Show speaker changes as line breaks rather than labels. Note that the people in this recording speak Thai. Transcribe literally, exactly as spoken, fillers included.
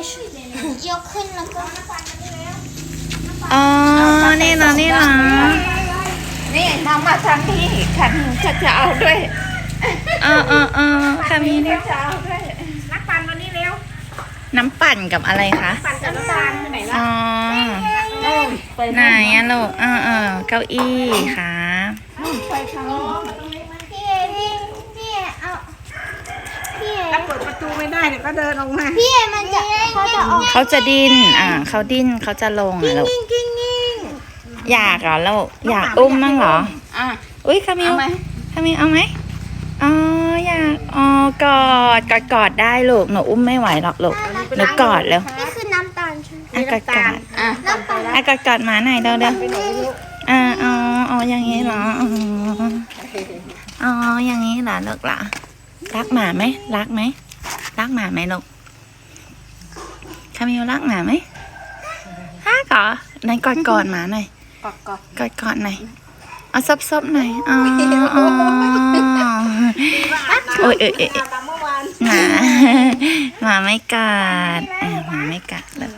ยกขึ้นแล้วก็
อ๋อนี่นะนี่นะ
นี่น้องมาทางนี้ขันจะจะเอาด้วย
เออเออเออค่ะมี
จะเอาด้วยนักปั่นวันนี้เร็ว
น้ำปั่นกับอะไรคะ
ปั่นกับน้ำตาลไปไหนล่ะ
อ๋อ
โอ้ยไป
ไหนอะลูกเออเออเก้าอี้ค่ะ
ไปทางนี้
พี่เอพี่พี่เอเอาพี่เอ
ถ้าเปิดประตูไม่ได้เดี๋ยวก็เดินออกมา
พี่เอมันจะเขาจะออก
เขาจะดิ้นอ่าเขาดิ้นเขาจะลงอะลูก
กิ้งกิ้งกิ้ง
อยากเหรอลูกอยากอุ้มมั่งเหรอ
อ่ะ
อุ้ยคามิว
เอาไหม
คามิวเอาไหมอ๋ออยากอ๋อกอดกอดกอดได้ลูกหนูอุ้มไม่ไหวหรอกลูกหนูกอดแล้ว
นี่คือน้ำตาลใช่ไหม
อ่ะกอดกอด
อ่ะ
น้ำตาล
อ่ะกอดกอดหมาหน่อยเร็วเร็ว
ไปไหนลูก
อ่าอ๋ออ๋ออย่างนี้เหรออ๋ออ๋ออย่างนี้เหรอลูกเหรอรักหมาไหมรักไหมรักหมาไหมลูกคามิวรักหมาไหมรักเหรอไหนกอดกอดหมาหน่อย
กอดกอด
กอดกอดหน่อยเอาซบซบหน่อยอ๋ออ๋อโอ้ยเอ้ยเอ้ย
ตามเมื่อวาน
หมาหมาไม่กัดอ่ะหมาไม่กัดเลย